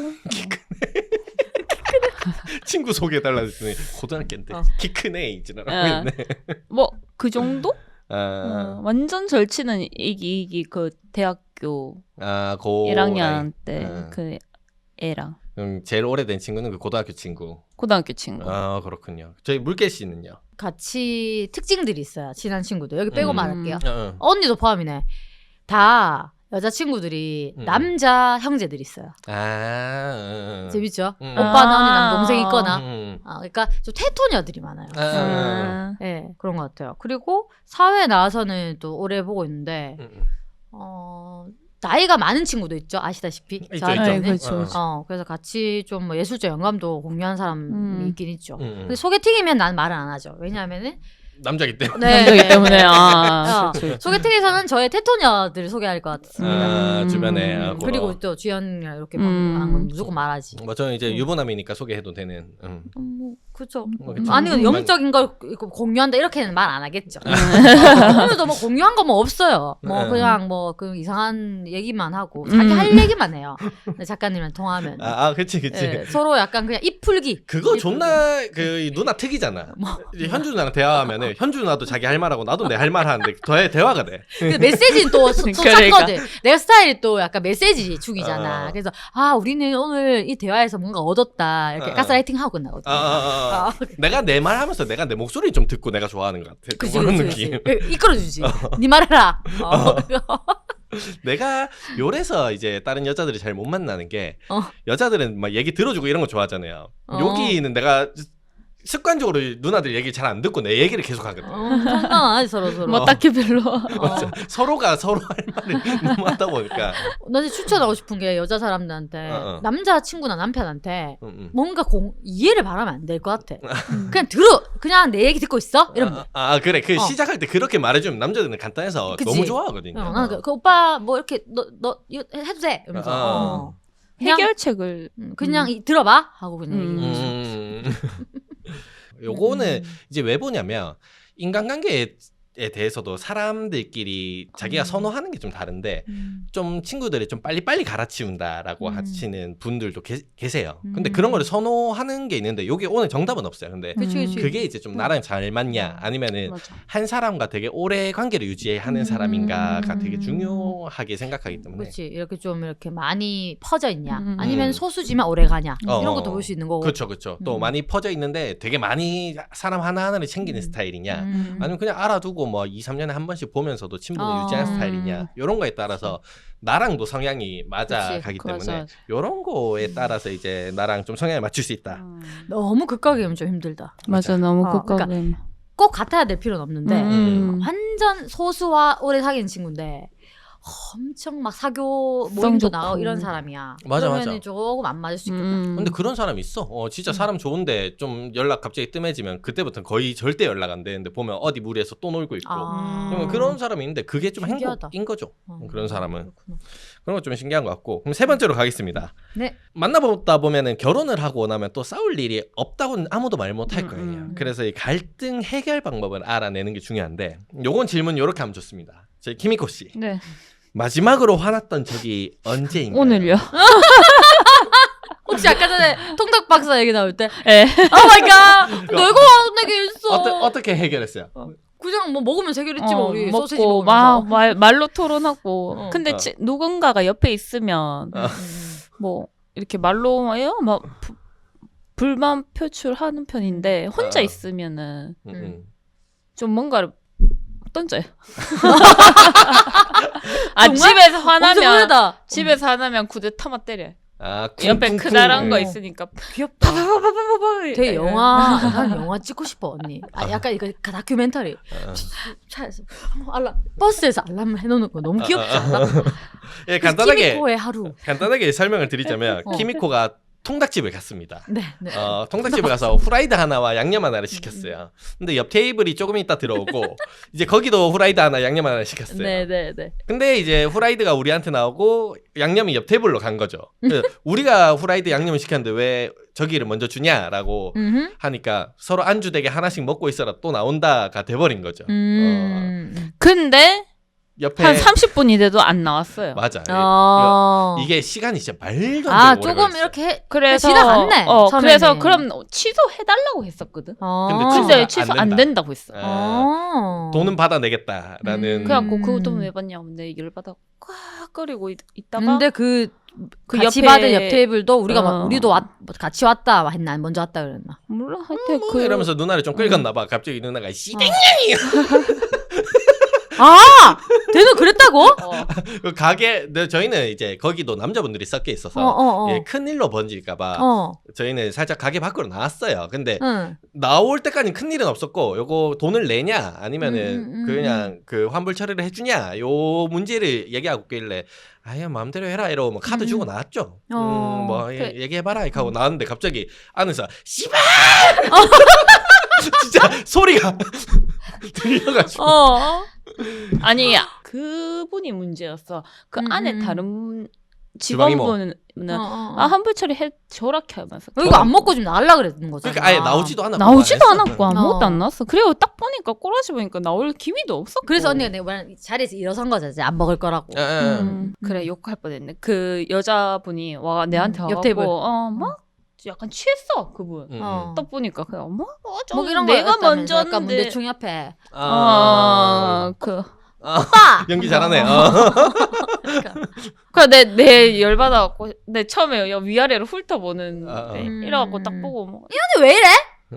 Speaker 1: 친구 소개해달라 했더니 고등학교인데
Speaker 3: 어.
Speaker 1: 키 큰 애 있지라고
Speaker 2: 아.
Speaker 1: 했네.
Speaker 2: 뭐 그 정도?
Speaker 1: 아,
Speaker 2: 어, 완전 절친은 이기 이기 그 대학교
Speaker 1: 아, 고
Speaker 2: 일 학년
Speaker 1: 아이.
Speaker 2: 때
Speaker 1: 아.
Speaker 2: 그 애랑
Speaker 1: 음, 제일 오래된 친구는 그 고등학교 친구.
Speaker 2: 고등학교 친구.
Speaker 1: 아 그렇군요. 저희 물개 씨는요?
Speaker 3: 같이 특징들이 있어요. 친한 친구들. 여기 빼고
Speaker 1: 음.
Speaker 3: 말할게요.
Speaker 1: 어, 어.
Speaker 3: 언니도 포함이네. 다 여자친구들이
Speaker 1: 음.
Speaker 3: 남자 형제들이 있어요.
Speaker 1: 아, 음,
Speaker 3: 재밌죠?
Speaker 1: 음.
Speaker 3: 오빠나
Speaker 2: 아.
Speaker 3: 언니 남동생 있거나.
Speaker 1: 음.
Speaker 3: 아, 그러니까 좀 테토녀들이 많아요.
Speaker 1: 아,
Speaker 2: 아,
Speaker 3: 네, 그런 것 같아요. 그리고 사회에 나와서는 또 오래 보고 있는데
Speaker 1: 음, 음.
Speaker 3: 어, 나이가 많은 친구도 있죠. 아시다시피.
Speaker 1: 있죠,
Speaker 3: 저한테는.
Speaker 2: 있죠. 그렇죠,
Speaker 1: 어.
Speaker 2: 그렇죠.
Speaker 3: 어, 그래서 같이 좀 뭐 예술적 영감도 공유한 사람이
Speaker 2: 음.
Speaker 3: 있긴 있죠.
Speaker 1: 음, 음.
Speaker 3: 근데 소개팅이면 난 말을 안 하죠. 왜냐하면은
Speaker 1: 남자기 때문에.
Speaker 3: 네,
Speaker 2: 남자기 때문에 아
Speaker 3: 어,
Speaker 2: 그렇죠.
Speaker 3: 소개팅에서는 저의 테토녀들을 소개할 것 같습니다.
Speaker 1: 아,
Speaker 2: 음.
Speaker 1: 주변에 아,
Speaker 3: 음,
Speaker 1: 그거.
Speaker 3: 그리고 또 주연이랑 이렇게
Speaker 2: 음.
Speaker 3: 방송하는 건 무조건 말하지.
Speaker 1: 뭐 저는 이제
Speaker 3: 음.
Speaker 1: 유부남이니까 소개해도 되는. 음.
Speaker 3: 음, 뭐 그죠.
Speaker 1: 뭐 그쵸.
Speaker 3: 아니 근데
Speaker 1: 음.
Speaker 3: 영적인 걸 이거 공유한다 이렇게는 말 안 하겠죠.
Speaker 2: 음.
Speaker 3: 오늘도 뭐 공유한 거 뭐 없어요. 뭐
Speaker 1: 네.
Speaker 3: 그냥 뭐 그 이상한 얘기만 하고 자기
Speaker 2: 음.
Speaker 3: 할 얘기만 해요. 근데 작가님이랑 통화하면
Speaker 1: 아, 아, 그치, 그치.
Speaker 3: 예, 서로 약간 그냥 입 풀기.
Speaker 1: 그거
Speaker 3: 입
Speaker 1: 존나 그 누나 특이잖아.
Speaker 3: 뭐.
Speaker 1: 이제 현주 누나랑 대화하면은 현주 누나도 자기 할 말하고 나도 내 할 말 하는데 더 대화가 돼.
Speaker 3: 근데 메시지는 또, 또
Speaker 2: 그러니까.
Speaker 3: 쳤거든. 내 스타일이 또 약간 메시지 축이잖아.
Speaker 1: 어.
Speaker 3: 그래서 아 우리는 오늘 이 대화에서 뭔가 얻었다 이렇게
Speaker 1: 어.
Speaker 3: 가스라이팅 하고 끝나거든.
Speaker 1: 아, 아, 아, 아.
Speaker 3: 아,
Speaker 1: 내가 내 말 하면서 내가 내 목소리 좀 듣고 내가 좋아하는 것 같아.
Speaker 3: 그치,
Speaker 1: 그런
Speaker 3: 그치,
Speaker 1: 느낌.
Speaker 3: 그치. 이끌어주지. 네 말해라. 어.
Speaker 1: 내가 요래서 이제 다른 여자들이 잘 못 만나는 게
Speaker 3: 어.
Speaker 1: 여자들은 막 얘기 들어주고 이런 거 좋아하잖아요.
Speaker 3: 어.
Speaker 1: 여기는 내가 습관적으로 누나들 얘기 잘 안 듣고 내 얘기를 계속 하거든.
Speaker 3: 어, 상관하지 서로 서로.
Speaker 2: 뭐 딱히 별로.
Speaker 1: 맞아. 서로가 서로 할 말을 너무 하다 보니까.
Speaker 3: 나 진짜 추천하고 싶은 게 여자 사람들한테
Speaker 1: 어, 어.
Speaker 3: 남자 친구나 남편한테
Speaker 1: 음, 음.
Speaker 3: 뭔가 공, 이해를 바라면 안 될 것 같아.
Speaker 2: 음.
Speaker 3: 그냥 들어. 그냥 내 얘기 듣고 있어. 이러면 돼.
Speaker 1: 아, 아, 그래. 그
Speaker 3: 어.
Speaker 1: 시작할 때 그렇게 말해주면 남자들은 간단해서
Speaker 3: 그치.
Speaker 1: 너무 좋아하거든요.
Speaker 3: 어, 나는 그, 그 오빠 뭐 이렇게 너 너 이거 해도 돼. 이러면서
Speaker 1: 어.
Speaker 3: 어. 그냥,
Speaker 2: 해결책을
Speaker 3: 음, 그냥 이, 들어봐 하고 그냥
Speaker 2: 음.
Speaker 3: 얘기해.
Speaker 1: 음. 요거는
Speaker 3: 음.
Speaker 1: 이제 왜 보냐면 인간관계에 대해서도 사람들끼리 자기가
Speaker 3: 음.
Speaker 1: 선호하는 게 좀 다른데
Speaker 3: 음.
Speaker 1: 좀 친구들이 좀 빨리빨리 갈아치운다라고
Speaker 3: 음.
Speaker 1: 하시는 분들도 계, 계세요. 근데
Speaker 3: 음.
Speaker 1: 그런 거를 선호하는 게 있는데 여기 오늘 정답은 없어요. 근데
Speaker 3: 그치 그치.
Speaker 1: 그게 이제 좀 나랑 잘 맞냐 아니면은
Speaker 2: 맞아.
Speaker 1: 한 사람과 되게 오래 관계를 유지하는
Speaker 3: 음.
Speaker 1: 사람인가가 되게 중요하게 생각하기 때문에
Speaker 3: 그렇지 이렇게 좀 이렇게 많이 퍼져 있냐
Speaker 2: 음.
Speaker 3: 아니면
Speaker 1: 음.
Speaker 3: 소수지만 오래 가냐
Speaker 1: 어.
Speaker 3: 이런 것도 볼 수 있는 거고.
Speaker 1: 그렇죠, 그렇죠. 또
Speaker 3: 음.
Speaker 1: 많이 퍼져 있는데 되게 많이 사람 하나 하나를 챙기는
Speaker 3: 음.
Speaker 1: 스타일이냐,
Speaker 3: 음.
Speaker 1: 아니면 그냥 알아두고 뭐 이, 삼 년에 한 번씩 보면서도 친분을
Speaker 3: 어.
Speaker 1: 유지하는 스타일이냐, 이런 거에 따라서 나랑도 성향이 맞아가기
Speaker 2: 그치,
Speaker 1: 때문에
Speaker 2: 맞아.
Speaker 1: 이런 거에 따라서 이제 나랑 좀 성향을 맞출 수 있다.
Speaker 2: 음.
Speaker 3: 너무 극각이면 좀 힘들다.
Speaker 2: 맞아 너무
Speaker 3: 어,
Speaker 2: 극각이.
Speaker 3: 꼭 같아야 될 필요는 없는데
Speaker 2: 음.
Speaker 3: 완전 소수와 오래 사귄 친구인데 엄청 막 사교
Speaker 2: 성
Speaker 3: 모임도
Speaker 2: 좋고.
Speaker 3: 나가고 이런 사람이야.
Speaker 1: 맞아,
Speaker 3: 그러면은
Speaker 1: 맞아.
Speaker 3: 조금 안 맞을 수 있겠다.
Speaker 2: 음.
Speaker 1: 근데 그런 사람 있어. 어, 진짜 사람 좋은데 좀 연락 갑자기 뜸해지면 그때부터는 거의 절대 연락 안 되는데 보면 어디 무리해서 또 놀고 있고.
Speaker 3: 아.
Speaker 1: 그러면 그런 사람이 있는데 그게 좀
Speaker 3: 신기하다.
Speaker 1: 행복인 거죠.
Speaker 3: 어.
Speaker 1: 그런 사람은.
Speaker 3: 그렇구나.
Speaker 1: 그런 거 좀 신기한 것 같고. 그럼 세 번째로 가겠습니다.
Speaker 3: 네.
Speaker 1: 만나보다 보면은 결혼을 하고 나면 또 싸울 일이 없다고는 아무도 말 못 할
Speaker 2: 음,
Speaker 1: 거예요.
Speaker 2: 음.
Speaker 1: 그래서 이 갈등 해결 방법을 알아내는 게 중요한데 요건 질문 요렇게 하면 좋습니다. 저희 키미코 씨.
Speaker 2: 네.
Speaker 1: 마지막으로 화났던 적이 언제인가요?
Speaker 2: 오늘요.
Speaker 3: 혹시 아까 전에 통닭 박사 얘기 나올 때
Speaker 2: 예.
Speaker 3: 오 마이 갓 내가 화내게 했어.
Speaker 1: 어떠, 어떻게 해결했어요?
Speaker 3: 그냥 뭐 먹으면 해결했지 뭐
Speaker 2: 어,
Speaker 3: 우리
Speaker 2: 먹고
Speaker 3: 소시지 먹으면서.
Speaker 2: 막 말, 말로 토론하고.
Speaker 3: 어.
Speaker 2: 근데
Speaker 1: 어.
Speaker 2: 지, 누군가가 옆에 있으면
Speaker 1: 어.
Speaker 3: 음.
Speaker 2: 뭐 이렇게 말로 해요? 막 부- 불만 표출하는 편인데 혼자
Speaker 1: 아.
Speaker 2: 있으면은
Speaker 1: 음, 음.
Speaker 2: 좀 뭔가를 던져요. 아
Speaker 3: 정말?
Speaker 2: 집에서
Speaker 3: 엄청
Speaker 2: 화나면
Speaker 3: 오래다.
Speaker 2: 집에서 화나면 구두 타마 때려.
Speaker 1: 아,
Speaker 2: 옆에
Speaker 1: 쿵쿵쿵.
Speaker 2: 크다란 거
Speaker 1: 네.
Speaker 2: 있으니까
Speaker 3: 귀엽다.
Speaker 2: 파파파파파파.
Speaker 3: 되게 영화, 난 영화 찍고 싶어 언니. 아 약간 이거 다큐멘터리.
Speaker 1: 어.
Speaker 3: 차에서 알람, 버스에서 알람 해놓는 거 너무 귀엽지 않아?
Speaker 1: 예, 간단하게
Speaker 3: 키미코의 하루.
Speaker 1: 간단하게 설명을 드리자면
Speaker 3: 어.
Speaker 1: 키미코가 통닭집을 갔습니다.
Speaker 3: 네, 네.
Speaker 1: 어, 통닭집에 가서 후라이드 하나와 양념 하나를 시켰어요. 근데 옆 테이블이 조금 있다 들어오고 이제 거기도 후라이드 하나, 양념 하나 시켰어요.
Speaker 2: 네네네.
Speaker 1: 근데 이제 후라이드가 우리한테 나오고 양념이 옆 테이블로 간 거죠. 그래서 우리가 후라이드 양념을 시켰는데 왜 저기를 먼저 주냐라고
Speaker 3: 음흠.
Speaker 1: 하니까 서로 안주 되게 하나씩 먹고 있어라 또 나온다가 돼버린 거죠. 어,
Speaker 3: 음.
Speaker 2: 근데
Speaker 1: 옆에
Speaker 2: 한 삼십 분이 돼도 안 나왔어요.
Speaker 1: 맞아.
Speaker 3: 어.
Speaker 1: 이게 시간이 진짜 말도
Speaker 3: 아
Speaker 1: 안 되게 오래
Speaker 3: 조금
Speaker 1: 걸렸어요.
Speaker 3: 이렇게 해.
Speaker 2: 그래서
Speaker 3: 지나갔네,
Speaker 2: 어,
Speaker 3: 처음에는.
Speaker 2: 그래서 그럼 취소해달라고 했었거든.
Speaker 3: 어.
Speaker 1: 근데
Speaker 2: 근데
Speaker 1: 취소가
Speaker 2: 취소
Speaker 1: 안
Speaker 2: 안,
Speaker 1: 된다.
Speaker 2: 된다고 했어.
Speaker 1: 아,
Speaker 3: 어.
Speaker 1: 돈은 받아내겠다라는.
Speaker 3: 음.
Speaker 2: 그래갖고 그거 돈 왜 받냐? 근데 열받아 꽉거리고 있다가
Speaker 3: 근데 그,
Speaker 2: 그
Speaker 3: 같이
Speaker 2: 옆에-
Speaker 3: 받은 옆 테이블도 우리가 막
Speaker 2: 어.
Speaker 3: 우리도 왔, 같이 왔다 했나 먼저 왔다 그랬나?
Speaker 2: 몰라 하여튼
Speaker 1: 뭐
Speaker 2: 그
Speaker 1: 이러면서 누나를 좀 끌었나 봐. 갑자기 누나가 씨댕
Speaker 3: 아, 걔는 그랬다고?
Speaker 2: 어,
Speaker 1: 그 가게 네, 저희는 이제 거기도 남자분들이 섞여 있어서
Speaker 3: 어, 어, 어.
Speaker 1: 예, 큰 일로 번질까봐
Speaker 3: 어,
Speaker 1: 저희는 살짝 가게 밖으로 나왔어요. 근데
Speaker 3: 응.
Speaker 1: 나올 때까지는 큰 일은 없었고 요거 돈을 내냐 아니면은
Speaker 3: 음, 음, 음,
Speaker 1: 그냥 그 환불 처리를 해주냐 요 문제를 얘기하고 있길래 아예 마음대로 해라 이러고 뭐 카드
Speaker 3: 음.
Speaker 1: 주고 나왔죠.
Speaker 3: 어.
Speaker 1: 음, 뭐 예,
Speaker 2: 그-
Speaker 1: 얘기해봐라 이렇게 하고 나왔는데 갑자기 안에서 씨발 진짜 소리가 들려가지고
Speaker 2: 어. 아니 그분이 문제였어. 그
Speaker 3: 음,
Speaker 2: 안에
Speaker 3: 음.
Speaker 2: 다른
Speaker 1: 주방이모.
Speaker 2: 직원분은
Speaker 3: 어, 어.
Speaker 2: 아 환불 처리 해 저렇게 하면서
Speaker 3: 어, 이거 안 먹고 좀 나올라 그랬는 거잖아.
Speaker 1: 그러니까 아예 나오지도 않았고
Speaker 2: 나오지도
Speaker 1: 말했어.
Speaker 2: 않았고 아무것도
Speaker 3: 어.
Speaker 2: 안 나왔어. 그리고 딱 보니까 꼬라지 보니까 나올 기미도 없었고.
Speaker 3: 그래서 언니가 내가 말한 자리에서 일어선 거지. 안 먹을 거라고.
Speaker 1: 예, 예.
Speaker 2: 음, 그래 욕할 뻔했네. 그 여자분이 와 내한테
Speaker 3: 음,
Speaker 2: 와갖고
Speaker 3: 옆 테이블.
Speaker 2: 어막 뭐? 약간 취했어 그분.
Speaker 1: 음,
Speaker 3: 어.
Speaker 2: 딱 보니까 그냥 뭐 어쩌
Speaker 3: 뭐 이런
Speaker 2: 내가
Speaker 3: 거였다면서
Speaker 2: 먼저
Speaker 3: 약간
Speaker 2: 했는데
Speaker 3: 문대충 옆에
Speaker 1: 아,
Speaker 2: 아그
Speaker 1: 아,
Speaker 3: 오빠
Speaker 1: 연기 잘하네. 어.
Speaker 2: 그래 내, 내 열받아갖고 내 처음에 여- 위아래로 훑어보는
Speaker 1: 아, 아.
Speaker 2: 네,
Speaker 3: 음.
Speaker 2: 이래갖고 딱 보고 뭐
Speaker 3: 근데 왜 이래?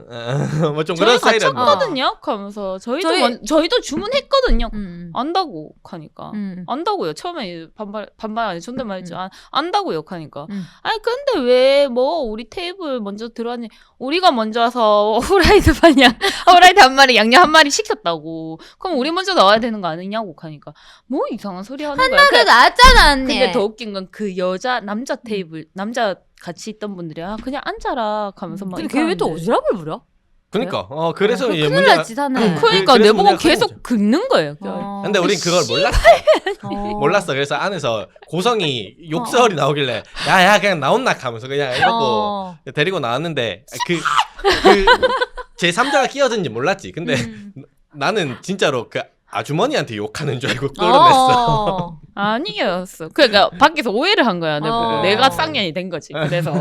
Speaker 1: 뭐 좀
Speaker 2: 저희
Speaker 1: 그런
Speaker 2: 같이
Speaker 1: 스타일은
Speaker 2: 했거든요 하면서 저희도
Speaker 3: 저희-
Speaker 2: 먼- 저희도 주문했거든요
Speaker 3: 음.
Speaker 2: 안다고 하니까
Speaker 3: 음.
Speaker 2: 안다고요 처음에 반발 반발 아니 존댓말했죠 안 안다고요 하니까
Speaker 3: 음.
Speaker 2: 아니 근데 왜 뭐 우리 테이블 먼저 들어왔니 우리가 먼저 와서 후라이드 반냥 후라이드 한 마리 양념 한 마리 시켰다고 그럼 우리 먼저 나와야 되는 거 아니냐고 하니까 뭐 이상한 소리 하는 거야
Speaker 3: 그래 나왔잖아 언니.
Speaker 2: 근데 더 웃긴 건 그 여자 남자 테이블 남자 같이 있던 분들이 아 그냥 앉아라 하면서 막
Speaker 3: 근데 걔 왜 또
Speaker 2: 이러는데.
Speaker 3: 오지랖을 부려?
Speaker 1: 그러니까 어 그래서
Speaker 3: 어,
Speaker 1: 이게
Speaker 3: 큰일
Speaker 1: 문제가
Speaker 3: 났지 사네.
Speaker 1: 응,
Speaker 2: 그러니까
Speaker 1: 그- 그래서
Speaker 2: 내보고
Speaker 1: 문제가 커진
Speaker 2: 계속
Speaker 1: 거죠.
Speaker 2: 긁는 거예요
Speaker 3: 어.
Speaker 1: 근데 우린 그걸 몰랐어.
Speaker 3: 어.
Speaker 1: 몰랐어. 그래서 안에서 고성이 욕설이 나오길래 야야 그냥 나온나 하면서 그냥 이러고
Speaker 3: 어.
Speaker 1: 데리고 나왔는데 그 그 제삼자가 끼어든지 몰랐지. 근데
Speaker 3: 음.
Speaker 1: 나는 진짜로 그 아주머니한테 욕하는 줄 알고 끌어냈어.
Speaker 3: 어.
Speaker 2: 아니었어. 그러니까 밖에서 오해를 한 거야. 내가,
Speaker 3: 어.
Speaker 2: 내가 쌍년이 된 거지. 그래서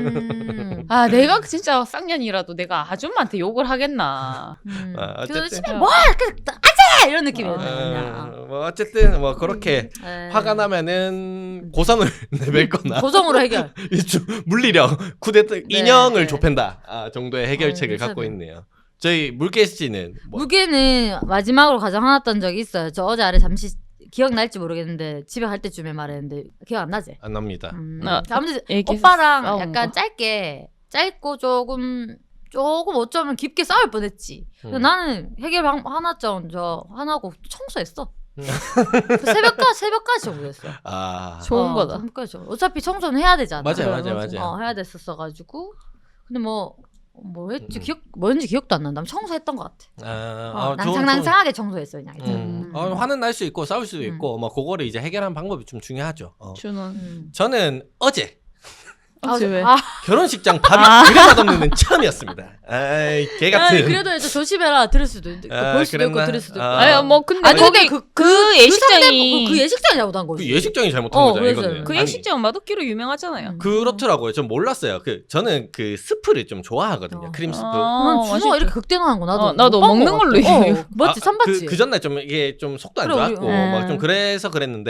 Speaker 3: 음.
Speaker 2: 아 내가 진짜 쌍년이라도 내가 아줌마한테 욕을 하겠나.
Speaker 3: 음.
Speaker 1: 아,
Speaker 3: 그래서
Speaker 1: 어쨌든.
Speaker 3: 집에 뭐 이렇게 아재 이런 느낌이었네
Speaker 1: 어,
Speaker 3: 그냥.
Speaker 1: 뭐 어쨌든 뭐 그렇게
Speaker 3: 네.
Speaker 1: 화가 나면은 고성을 내밀거나
Speaker 3: 고성으로 해결.
Speaker 1: 좀 물리력 쿠데타 인형을
Speaker 3: 네.
Speaker 1: 좁힌다 아, 정도의 해결책을
Speaker 3: 어,
Speaker 1: 갖고
Speaker 3: 괜찮네.
Speaker 1: 있네요. 저희 물개씨는 뭐
Speaker 3: 무게는 마지막으로 가장 화났던 적이 있어요. 저 어제 아래 잠시 기억날지 모르겠는데 집에 갈 때쯤에 말했는데 기억 안 나지?
Speaker 1: 안 납니다.
Speaker 3: 음.
Speaker 2: 아,
Speaker 3: 아무튼
Speaker 2: 얘기해서
Speaker 3: 오빠랑
Speaker 2: 싸운
Speaker 3: 약간
Speaker 2: 거.
Speaker 3: 짧게 짧고 조금 조금 어쩌면 깊게 싸울 뻔했지. 근데
Speaker 1: 음.
Speaker 3: 나는 해결 방 하나점 저 하나고 청소했어.
Speaker 1: 음.
Speaker 3: 그 새벽까지 새벽까지 청소했어.
Speaker 1: 아
Speaker 2: 좋은
Speaker 3: 어,
Speaker 2: 거다.
Speaker 3: 새벽까지. 어차피 청소는 해야 되잖아.
Speaker 1: 맞아요,
Speaker 2: 그래,
Speaker 1: 맞아요,
Speaker 2: 맞아.
Speaker 1: 맞아요.
Speaker 3: 어, 해야 됐었어가지고 근데 뭐. 뭐 했지
Speaker 1: 음.
Speaker 3: 기억 뭐였는지 기억도 안 난다. 청소했던 것 같아.
Speaker 1: 아,
Speaker 3: 어,
Speaker 1: 아, 좋은-
Speaker 3: 낭상낭상하게 청소했어 그냥.
Speaker 1: 좋은-
Speaker 3: 음.
Speaker 1: 음. 어, 화는 날 수 있고 싸울 수도
Speaker 3: 음.
Speaker 1: 있고 뭐 그거를 이제 해결하는 방법이 좀 중요하죠. 어.
Speaker 2: 준원.
Speaker 3: 음.
Speaker 1: 저는 어제
Speaker 2: 어제 왜?
Speaker 3: 아,
Speaker 1: 결혼식장 밥이
Speaker 2: 아.
Speaker 1: 그래 맛없는 건 처음이었습니다. 아이 개 같은.
Speaker 3: 아니, 그래도 좀 조심해라. 들을 수도 있고
Speaker 1: 아,
Speaker 3: 볼 수도 있고
Speaker 1: 그랬나?
Speaker 3: 들을 수도 있고.
Speaker 1: 아.
Speaker 2: 아니 뭐 근데
Speaker 3: 아니,
Speaker 2: 거기
Speaker 3: 근데
Speaker 2: 그,
Speaker 3: 그-
Speaker 2: 그, 예식장이
Speaker 3: 그, 그 예식장이 잘못한
Speaker 1: 그
Speaker 3: 거지.
Speaker 1: 예식장이 잘못한
Speaker 3: 어,
Speaker 1: 거죠.
Speaker 3: 그래서
Speaker 1: 이거는.
Speaker 2: 그
Speaker 1: 아니,
Speaker 2: 예식장 맛없기로 유명하잖아요.
Speaker 3: 음.
Speaker 1: 그렇더라고요. 전 몰랐어요. 그 저는 그 스프를 좀 좋아하거든요.
Speaker 3: 어.
Speaker 1: 크림 스프.
Speaker 2: 아,
Speaker 3: 난 준호가
Speaker 2: 맛있지.
Speaker 3: 이렇게 극대노한 거 나도
Speaker 2: 어, 나도
Speaker 3: 못 봤는
Speaker 2: 먹는
Speaker 3: 것
Speaker 2: 걸로
Speaker 3: 같아.
Speaker 2: 이해해요.
Speaker 3: 어, 맞지
Speaker 1: 아,
Speaker 3: 참 봤지.
Speaker 1: 그, 그 전날 좀 이게 좀 속도 안
Speaker 3: 그래, 우리-
Speaker 1: 좋았고
Speaker 2: 음.
Speaker 1: 막 좀 그래서 그랬는데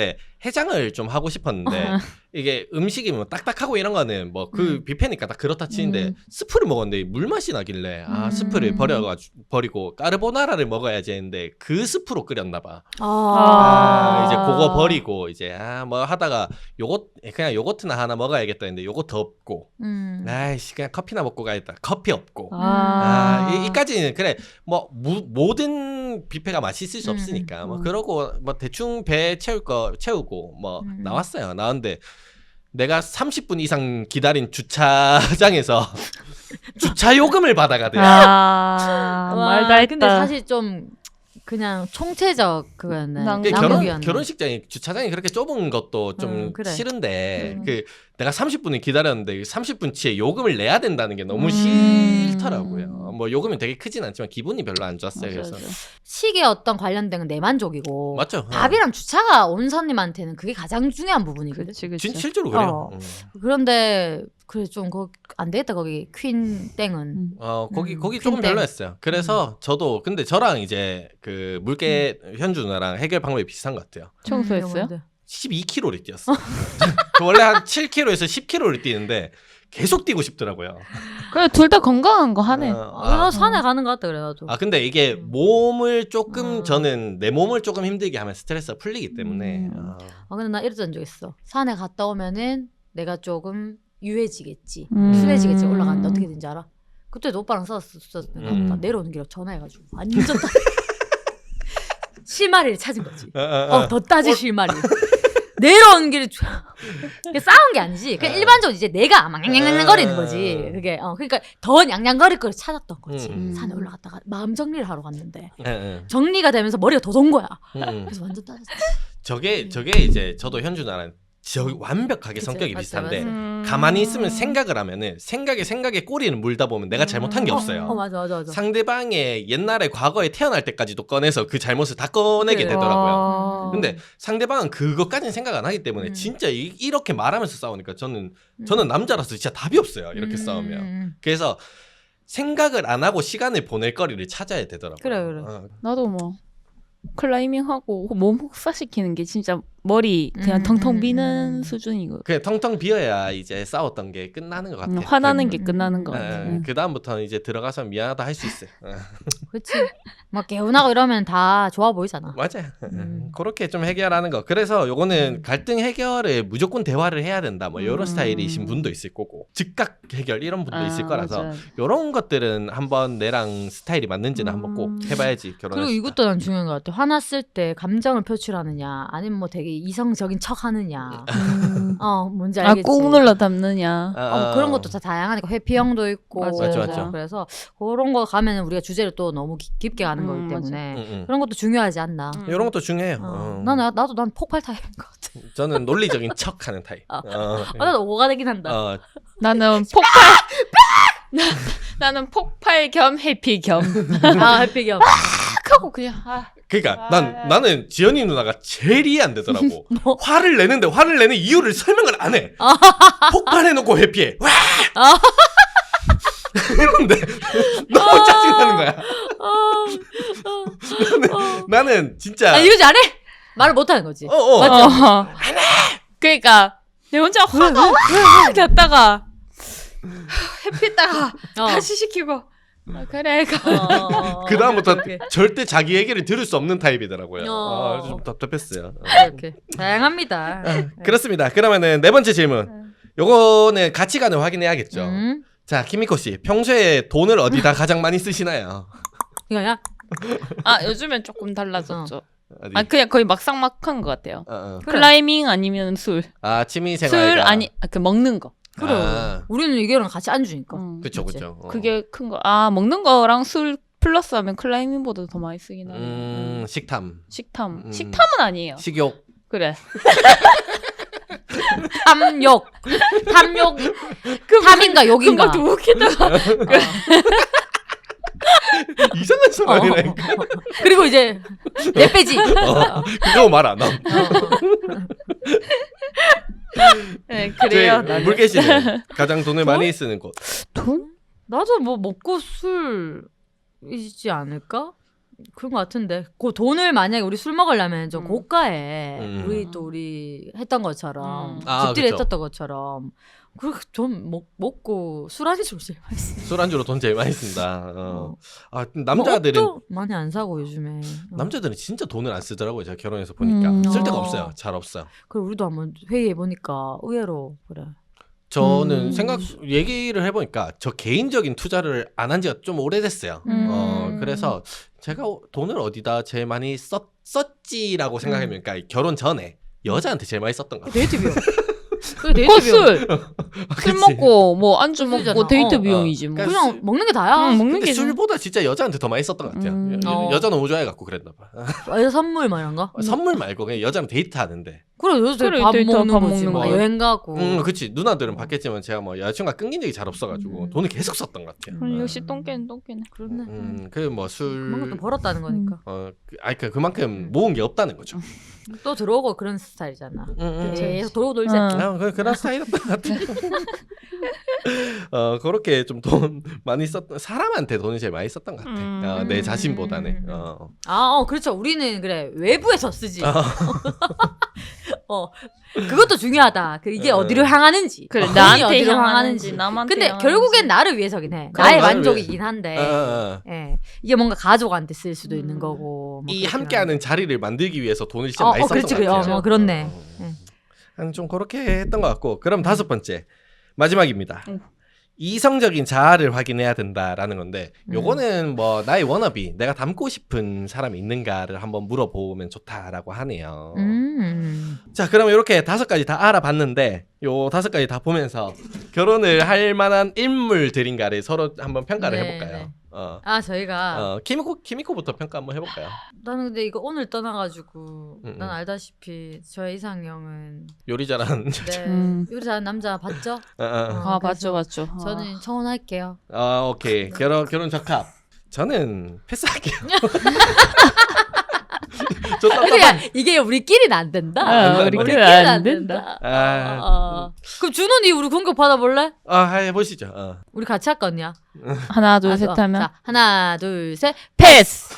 Speaker 1: 해장을 좀 하고 싶었는데 이게 음식이 뭐 딱딱하고 이런 거는 뭐 그
Speaker 3: 음.
Speaker 1: 뷔페니까 딱 그렇다 치는데
Speaker 3: 음.
Speaker 1: 스프를 먹었는데 물 맛이 나길래 아
Speaker 3: 음.
Speaker 1: 스프를 버려가지고 버리고 까르보나라를 먹어야지 했는데 그 스프로 끓였나 봐.
Speaker 3: 아,
Speaker 1: 아, 이제 그거 버리고 이제 아 뭐 하다가 요거 그냥 요거트나 하나 먹어야겠다 했는데 요거트 없고
Speaker 3: 음.
Speaker 1: 아이씨 그냥 커피나 먹고 가야겠다. 커피 없고.
Speaker 2: 아,
Speaker 1: 아, 이, 이까지는 그래 뭐 무, 모든 뷔페가 맛있을 수
Speaker 3: 음,
Speaker 1: 없으니까 뭐
Speaker 3: 음.
Speaker 1: 그러고 뭐 대충 배 채울 거 채우고 뭐
Speaker 3: 음.
Speaker 1: 나왔어요. 나왔는데 내가 삼십 분 이상 기다린 주차장에서 주차 요금을 받아가대요.
Speaker 2: 아,
Speaker 3: 와,
Speaker 2: 말다 했다.
Speaker 3: 근데 사실 좀 그냥 총체적 그거였네.
Speaker 2: 난-
Speaker 1: 그 결혼
Speaker 3: 낭비였네.
Speaker 1: 결혼식장이 주차장이 그렇게 좁은 것도 좀
Speaker 3: 음, 그래.
Speaker 1: 싫은데
Speaker 2: 음.
Speaker 1: 그 내가 삼십 분을 기다렸는데 삼십 분치에 요금을 내야 된다는 게 너무
Speaker 2: 음.
Speaker 1: 싫더라고요. 뭐 요금이 되게 크진 않지만 기분이 별로 안 좋았어요.
Speaker 2: 맞아,
Speaker 1: 그래서
Speaker 2: 맞아.
Speaker 3: 식에 어떤 관련된 건 내 만족이고
Speaker 1: 맞죠. 어.
Speaker 3: 밥이랑 주차가 온 손님한테는 그게 가장 중요한 부분이거든.
Speaker 2: 그치, 그치.
Speaker 1: 진 실제로 그래요.
Speaker 3: 어.
Speaker 1: 음.
Speaker 3: 그런데 그래 좀 안 되겠다 거기 퀸 땡은.
Speaker 2: 음.
Speaker 1: 어 거기
Speaker 3: 음,
Speaker 1: 거기 조금
Speaker 3: 퀸땡.
Speaker 1: 별로였어요. 그래서 저도 근데 저랑 이제 그 물개 현주 누나랑 해결 방법이 비슷한 것 같아요.
Speaker 2: 청소했어요?
Speaker 3: 음,
Speaker 1: 십이 킬로미터를 뛰었어. 저 원래 한 칠 킬로미터에서 십 킬로미터를 뛰는데 계속 뛰고 싶더라고요.
Speaker 2: 그래, 둘 다 건강한 거 하네.
Speaker 1: 어,
Speaker 3: 아, 나
Speaker 1: 아,
Speaker 3: 산에 가는 것 같다 그래가지고.
Speaker 1: 아 근데 이게 몸을 조금
Speaker 3: 음.
Speaker 1: 저는 내 몸을 조금 힘들게 하면 스트레스가 풀리기 때문에
Speaker 2: 음.
Speaker 1: 어.
Speaker 3: 아 근데 나 이랬던 적 있어. 산에 갔다 오면은 내가 조금 유해지겠지,
Speaker 2: 음.
Speaker 3: 순해지겠지 올라가는데 어떻게 된지 알아? 그때도 오빠랑 싸웠었어. 내가
Speaker 1: 음.
Speaker 3: 오빠 내려오는 길에 전화해가지고 완전 따... 실마리를 찾은 거지.
Speaker 1: 어, 어,
Speaker 3: 어 더 따지 실마리. 내려오는 길에 쫙- 그게 싸운 게 아니지. 그냥
Speaker 1: 어.
Speaker 3: 일반적으로 이제 내가 막 냥냥냥거리는 거지. 그게 어 그러니까 더 냥냥거릴 걸 찾았던 거지.
Speaker 1: 음,
Speaker 2: 음.
Speaker 3: 산에 올라갔다가 마음 정리를 하러 갔는데
Speaker 1: 예, 예.
Speaker 3: 정리가 되면서 머리가 더 돈 거야.
Speaker 1: 음.
Speaker 3: 그래서 완전 따졌지.
Speaker 1: 저게 저게 이제 저도 현주 누나랑 저 완벽하게
Speaker 3: 그치,
Speaker 1: 성격이
Speaker 3: 맞죠,
Speaker 1: 비슷한데
Speaker 3: 맞죠.
Speaker 2: 음.
Speaker 1: 가만히 있으면 생각을 하면은 생각에 생각에 꼬리를 물다 보면 내가 잘못한 게
Speaker 2: 음.
Speaker 1: 없어요.
Speaker 3: 어 맞아 맞아 맞아.
Speaker 1: 상대방의 옛날에 과거에 태어날 때까지도 꺼내서 그 잘못을 다 꺼내게
Speaker 3: 그래.
Speaker 1: 되더라고요.
Speaker 2: 아.
Speaker 1: 근데 상대방은 그것까지는 생각 안 하기 때문에
Speaker 3: 음.
Speaker 1: 진짜 이, 이렇게 말하면서 싸우니까 저는 저는 남자라서 진짜 답이 없어요. 이렇게
Speaker 3: 음,
Speaker 1: 싸우면.
Speaker 3: 음.
Speaker 1: 그래서 생각을 안 하고 시간을 보낼 거리를 찾아야 되더라고요.
Speaker 3: 그래, 그래.
Speaker 1: 어.
Speaker 2: 나도 뭐 클라이밍하고 몸 혹사시키는 게 진짜 머리 그냥
Speaker 3: 음,
Speaker 2: 텅텅
Speaker 3: 음,
Speaker 2: 비는
Speaker 3: 음.
Speaker 2: 수준이고
Speaker 1: 그냥 텅텅 비어야 이제 싸웠던 게 끝나는 것 같아요.
Speaker 2: 음, 화나는
Speaker 3: 음,
Speaker 2: 게
Speaker 3: 음,
Speaker 2: 끝나는
Speaker 3: 음.
Speaker 2: 거 같아.
Speaker 1: 예, 그 다음부터는 이제 들어가서 미안하다 할 수 있어요. 어.
Speaker 3: 그렇지. 막 개운하고 이러면 다 좋아 보이잖아.
Speaker 1: 맞아요.
Speaker 3: 음.
Speaker 1: 그렇게 좀 해결하는 거. 그래서 요거는 갈등 해결에 무조건 대화를 해야 된다. 뭐 이런
Speaker 2: 음.
Speaker 1: 스타일이신 분도 있을 거고 즉각 해결 이런 분도
Speaker 2: 아,
Speaker 1: 있을 거라서
Speaker 2: 맞아.
Speaker 1: 요런 것들은 한번 내랑 스타일이 맞는지는 한번 꼭
Speaker 2: 음.
Speaker 1: 해봐야지 결혼했을
Speaker 3: 그리고 이것도 난 중요한 것 같아. 화났을 때 감정을 표출하느냐, 아니면 뭐 되게 이성적인 척하느냐.
Speaker 2: 음.
Speaker 3: 어, 뭔지
Speaker 2: 아,
Speaker 3: 알겠지.
Speaker 2: 꾹 눌러 담느냐.
Speaker 3: 어, 그런 것도 다 다양하니까 회피형도 있고.
Speaker 2: 맞아,
Speaker 1: 맞죠, 맞죠.
Speaker 3: 그래서 그런 거 가면 우리가 주제를 또 너무 깊- 깊게 가는
Speaker 2: 음,
Speaker 3: 거기
Speaker 2: 맞아.
Speaker 3: 때문에
Speaker 1: 응, 응.
Speaker 3: 그런 것도 중요하지 않나.
Speaker 2: 음.
Speaker 1: 이런 것도 중요해요.
Speaker 3: 어.
Speaker 1: 어.
Speaker 3: 나는 나도 난 폭발 타입인 것 같아.
Speaker 1: 저는 논리적인 척하는 타입.
Speaker 3: 어.
Speaker 1: 어.
Speaker 3: 아, 나도 오가 되긴 한다.
Speaker 1: 어,
Speaker 2: 나는 폭발. 나는 폭발 겸 해피 겸.
Speaker 3: 아, 해피 겸.
Speaker 2: 탁 하고 그냥 아.
Speaker 1: 그러니까
Speaker 2: 아.
Speaker 1: 난 나는 지연이 누나가 제일 이해 안 되더라고.
Speaker 3: 뭐?
Speaker 1: 화를 내는데 화를 내는 이유를 설명을 안 해. 폭발해놓고 회피해. 와!
Speaker 3: 아.
Speaker 1: 이런데 너무 짜증나는 거야.
Speaker 3: 어,
Speaker 1: 나는, 나는 진짜
Speaker 3: 아, 이러지 안 해? 말을 못 하는 거지.
Speaker 1: 어, 어.
Speaker 3: 맞죠?
Speaker 2: 어. 그러니까 내 혼자 화가 확 났다가 해피했다가
Speaker 3: 어.
Speaker 2: 다시 시키고 아, 그래 가.
Speaker 3: 어,
Speaker 1: 그 다음부터
Speaker 3: 오케이, 오케이.
Speaker 1: 절대 자기 얘기를 들을 수 없는 타입이더라고요.
Speaker 3: 어.
Speaker 1: 아, 좀 답답했어요. 어.
Speaker 3: 이렇게 다양합니다.
Speaker 1: 그렇습니다. 그러면은 네 번째 질문. 요거는 가치관을 확인해야겠죠.
Speaker 3: 음,
Speaker 1: 자, 키미코 씨, 평소에 돈을 어디다 가장 많이 쓰시나요?
Speaker 3: 이거야?
Speaker 2: 아 요즘엔 조금 달라졌죠.
Speaker 1: 어디?
Speaker 2: 아 그냥 거의 막상막한 것 같아요.
Speaker 1: 어, 어.
Speaker 3: 그래.
Speaker 2: 클라이밍 아니면 술.
Speaker 1: 아, 취미
Speaker 2: 술
Speaker 1: 생활.
Speaker 2: 아니 아, 그 먹는 거.
Speaker 3: 그래.
Speaker 1: 아,
Speaker 3: 우리는 이거랑 같이 안 주니까.
Speaker 2: 음.
Speaker 1: 그쵸,
Speaker 3: 맞지?
Speaker 1: 그쵸. 어.
Speaker 2: 그게 큰 거. 아 먹는 거랑 술 플러스하면 클라이밍보다 더 많이 쓰긴 하네.
Speaker 1: 음, 식탐,
Speaker 2: 식탐.
Speaker 1: 음.
Speaker 2: 식탐은 아니에요.
Speaker 1: 식욕.
Speaker 2: 그래.
Speaker 3: 탐욕. 탐욕. 탐인가 욕인가.
Speaker 2: 그거 웃기다.
Speaker 1: 이상한 사람이라니까.
Speaker 3: 어. 그리고 이제 내 빼지.
Speaker 1: 어, 그거 말 안 함.
Speaker 2: 네 그래요.
Speaker 1: 제
Speaker 2: 나는.
Speaker 1: 물개 씨는 가장 돈을 많이 쓰는 곳.
Speaker 2: 돈?
Speaker 3: 나도 뭐 먹고 술이지 않을까? 그런 것 같은데 그 돈을 만약에 우리 술 먹으려면 좀
Speaker 2: 음.
Speaker 3: 고가에
Speaker 1: 음.
Speaker 3: 우리 또 우리 했던 것처럼
Speaker 2: 음.
Speaker 1: 아,
Speaker 3: 집들이
Speaker 1: 그쵸.
Speaker 3: 했었던 것처럼 그렇게 좀 먹, 먹고 술 한잔 좀 제일 맛있어.
Speaker 1: 술안주로 돈 제일 많이 쓴다. 어.
Speaker 3: 어.
Speaker 1: 아 남자들은
Speaker 3: 뭐 옷도 많이 안 사고 요즘에. 어.
Speaker 1: 남자들은 진짜 돈을 안 쓰더라고요. 제가 결혼해서 보니까
Speaker 2: 음.
Speaker 1: 쓸 데가
Speaker 3: 어.
Speaker 1: 없어요. 잘 없어요.
Speaker 3: 그리고 우리도 한번 회의해 보니까 의외로 그래.
Speaker 1: 저는
Speaker 2: 음.
Speaker 1: 생각 얘기를 해보니까 저 개인적인 투자를 안 한 지가 좀 오래됐어요.
Speaker 2: 음.
Speaker 1: 어 그래서 제가 돈을 어디다 제일 많이 썼, 썼지라고 생각해보니까 결혼 전에 여자한테 제일 많이 썼던 것 같아요.
Speaker 3: 데이트 비용. 그래 데이트
Speaker 2: 그
Speaker 3: 비용.
Speaker 2: 술, 술
Speaker 1: 그치?
Speaker 2: 먹고 뭐 안주
Speaker 3: 술이잖아.
Speaker 2: 먹고 데이트
Speaker 3: 어.
Speaker 2: 비용이지 뭐.
Speaker 1: 그러니까
Speaker 3: 그냥 먹는 게 다야.
Speaker 2: 응, 먹는
Speaker 1: 근데
Speaker 2: 게
Speaker 1: 술보다 진짜 여자한테 더 많이 썼던 것 같아요.
Speaker 2: 음.
Speaker 1: 여,
Speaker 3: 어.
Speaker 1: 여자 너무 좋아해갖고 그랬나 봐.
Speaker 3: 아, 선물 뭐 이런 거.
Speaker 1: 선물 말고 그냥 여자랑 데이트하는데.
Speaker 3: 그래 요새
Speaker 2: 그래,
Speaker 3: 밥
Speaker 2: 데이트
Speaker 3: 먹는
Speaker 2: 밥
Speaker 3: 거지
Speaker 2: 먹는
Speaker 3: 뭐
Speaker 1: 거.
Speaker 3: 여행 가고.
Speaker 1: 음, 그치. 누나들은 받겠지만 제가 뭐 여자친구가 끊긴 적이 잘 없어가지고
Speaker 3: 음.
Speaker 1: 돈을 계속 썼던 것 같아요.
Speaker 2: 음, 역시 똥개는 똥개네.
Speaker 3: 그렇네.
Speaker 1: 음, 그 뭐
Speaker 3: 그만큼 또
Speaker 1: 술,
Speaker 3: 벌었다는 거니까.
Speaker 1: 어, 그- 아니 그 그만큼 모은 게 없다는 거죠.
Speaker 3: 또 들어오고 그런 스타일이잖아.
Speaker 1: 음, 음.
Speaker 3: 계속 돌고 돌지.
Speaker 2: 응.
Speaker 1: 아, 그 그런 스타일이었던 것 같아요. 어, 그렇게 좀 돈 많이 썼던 사람한테 돈을 제일 많이 썼던 것 같아.
Speaker 2: 음.
Speaker 1: 어, 내
Speaker 3: 음.
Speaker 1: 자신보다는. 어.
Speaker 3: 아, 어, 그렇죠. 우리는 그래 외부에서 쓰지.
Speaker 1: 아.
Speaker 3: 어, 그것도 중요하다. 그 이게
Speaker 1: 어.
Speaker 3: 어디로 향하는지.
Speaker 2: 그래
Speaker 3: 돈이
Speaker 2: 나한테
Speaker 3: 어디로
Speaker 2: 향하는지 남한테
Speaker 3: 근데
Speaker 2: 향하는지.
Speaker 3: 결국엔 나를 위해서긴 해.
Speaker 1: 그럼
Speaker 3: 나의
Speaker 1: 나를
Speaker 3: 만족이긴 한데.
Speaker 1: 어, 어, 어.
Speaker 3: 예, 이게 뭔가 가족한테 쓸 수도 있는
Speaker 2: 음.
Speaker 3: 거고. 뭐
Speaker 1: 이
Speaker 3: 그렇긴
Speaker 1: 함께하는 자리를 만들기 위해서 돈을 진짜
Speaker 3: 어,
Speaker 1: 많이
Speaker 3: 어,
Speaker 1: 썼던
Speaker 3: 그렇지,
Speaker 1: 것
Speaker 3: 그래.
Speaker 1: 같아요.
Speaker 3: 어, 뭐 그렇네.
Speaker 1: 어.
Speaker 3: 예.
Speaker 1: 한 좀 그렇게 했던 것 같고 그럼 다섯 번째 마지막입니다.
Speaker 2: 응.
Speaker 1: 이성적인 자아를 확인해야 된다라는 건데
Speaker 3: 음.
Speaker 1: 요거는 뭐 나의 워너비 내가 닮고 싶은 사람이 있는가를 한번 물어보면 좋다라고 하네요.
Speaker 3: 음.
Speaker 1: 자 그럼 이렇게 다섯 가지 다 알아봤는데 요 다섯 가지 다 보면서 결혼을 할 만한 인물들인가를 서로 한번 평가를
Speaker 3: 네,
Speaker 1: 해볼까요?
Speaker 3: 네.
Speaker 1: 어,
Speaker 3: 아, 저희가
Speaker 1: 어 키미코 키미코부터 평가 한번 해볼까요?
Speaker 3: 나는 근데 이거 오늘 떠나가지고
Speaker 1: 음,
Speaker 3: 난
Speaker 1: 음.
Speaker 3: 알다시피 저의 이상형은
Speaker 1: 요리 잘하는
Speaker 3: 네
Speaker 2: 음.
Speaker 3: 요리 잘하는 남자 봤죠?
Speaker 1: 어, 어.
Speaker 2: 아 맞죠
Speaker 3: 그래서
Speaker 2: 맞죠. 아.
Speaker 3: 저는 청혼할게요.
Speaker 1: 아 오케이 결혼 결혼 적합. 저는 패스할게요. 저
Speaker 3: 그냥
Speaker 1: 답답한.
Speaker 3: 이게 우리끼리는 안 된다.
Speaker 2: 아,
Speaker 1: 우리끼리는
Speaker 3: 우리끼리는
Speaker 2: 안
Speaker 3: 안
Speaker 2: 된다.
Speaker 3: 된다.
Speaker 1: 아,
Speaker 3: 어. 그럼 준호니 우리 공격 받아볼래?
Speaker 1: 아 해보시죠. 어.
Speaker 3: 우리 같이 할 거냐?
Speaker 2: 하나 둘
Speaker 3: 아,
Speaker 2: 셋
Speaker 3: 어,
Speaker 2: 하면
Speaker 3: 자, 하나 둘 셋.
Speaker 2: 패스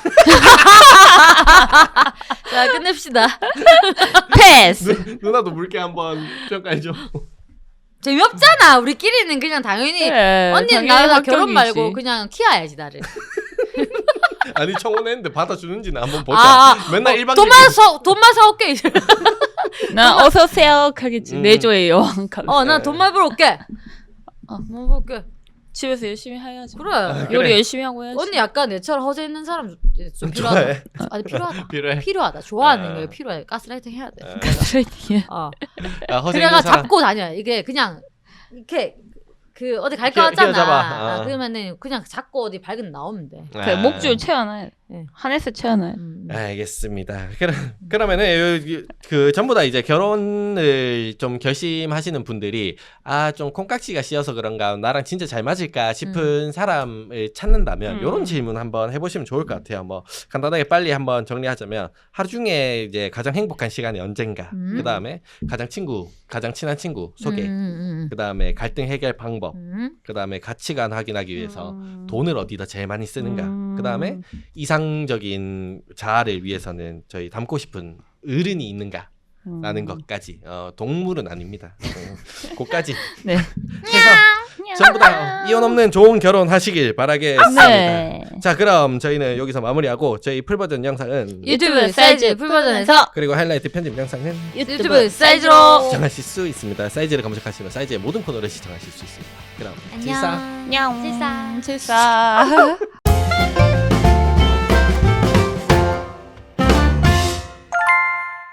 Speaker 3: 자 끝냅시다.
Speaker 2: 패스.
Speaker 1: 누, 나도 물개 한번 평가해줘.
Speaker 3: 재미없잖아. 우리끼리는 그냥 당연히
Speaker 2: 그래,
Speaker 3: 언니는
Speaker 2: 당연히
Speaker 3: 나랑 결혼
Speaker 2: 합격이지.
Speaker 3: 말고 그냥 키워야지 나를.
Speaker 1: 아니 청혼했는데 받아주는지는 한번 보자.
Speaker 3: 아, 아,
Speaker 1: 맨날
Speaker 3: 어,
Speaker 1: 일방적인.
Speaker 3: 돈만 사 돈만 사올게. 이제.
Speaker 2: 나 어서 오세요 하겠지.
Speaker 1: 음.
Speaker 2: 내조의 여왕. 가-
Speaker 3: 어, 나 돈만 벌올게.
Speaker 2: 어.
Speaker 3: 돈 벌게.
Speaker 2: 집에서 열심히 해야지.
Speaker 3: 그래.
Speaker 1: 그래.
Speaker 2: 요리 열심히 하고 해야지.
Speaker 3: 언니 약간 내처럼 허세 있는 사람 좀, 좀
Speaker 1: 좋아해.
Speaker 3: 필요하다. 아니 필요하다.
Speaker 1: 필요해.
Speaker 3: 필요하다. 좋아하는
Speaker 1: 아.
Speaker 3: 게 필요해. 가스라이팅 해야 돼.
Speaker 1: 아,
Speaker 2: 가스라이팅이야.
Speaker 3: 어.
Speaker 1: 아, 허세
Speaker 3: 그래가
Speaker 1: 있는 사람.
Speaker 3: 잡고 다녀. 이게 그냥 이렇게 그 어디 갈 거
Speaker 1: 휘어-
Speaker 3: 같잖아.
Speaker 1: 휘어잡아.
Speaker 3: 아,
Speaker 1: 어.
Speaker 3: 그러면은 그냥 잡고 어디 밝은 데 나오면 돼.
Speaker 2: 그래,
Speaker 1: 아.
Speaker 2: 목줄 채워놔야 돼.
Speaker 3: 네.
Speaker 2: 한에서 채워놔야 돼.
Speaker 3: 음.
Speaker 1: 알겠습니다. 그럼 그러면은 요- 요- 그 전부 다 이제 결혼을 좀 결심하시는 분들이 아 좀 콩깍지가 씌어서 그런가 나랑 진짜 잘 맞을까 싶은 사람을 찾는다면
Speaker 2: 음.
Speaker 1: 요런 질문 한번 해보시면 좋을 것 같아요. 뭐 간단하게 빨리 한번 정리하자면 하루 중에 이제 가장 행복한 시간이 언젠가.
Speaker 3: 음.
Speaker 1: 그 다음에 가장 친구, 가장 친한 친구 소개.
Speaker 3: 음, 음,
Speaker 1: 그 다음에 갈등 해결 방법.
Speaker 3: 음. 음.
Speaker 1: 그 다음에 가치관 확인하기 위해서
Speaker 2: 음.
Speaker 1: 돈을 어디다 제일 많이 쓰는가.
Speaker 2: 음.
Speaker 1: 그 다음에 이상적인 자아를 위해서는 저희 닮고 싶은 어른이 있는가.
Speaker 2: 음.
Speaker 1: 라는 것까지 어, 동물은 아닙니다. 어, 그까지
Speaker 2: 네.
Speaker 1: 해서 전부 다 이혼 없는 좋은 결혼 하시길 바라겠습니다.
Speaker 2: 네.
Speaker 1: 자 그럼 저희는 여기서 마무리하고 저희 풀버전 영상은
Speaker 3: 유튜브 사이즈 풀버전에서
Speaker 1: 그리고 하이라이트 편집 영상은
Speaker 3: 유튜브 사이즈로
Speaker 1: 시청하실 수 있습니다. 사이즈를 검색하시면 사이즈의 모든 코너를 시청하실 수 있습니다. 그럼 질사
Speaker 3: 안녕.
Speaker 2: 냥.
Speaker 3: 칠사.
Speaker 2: 칠사.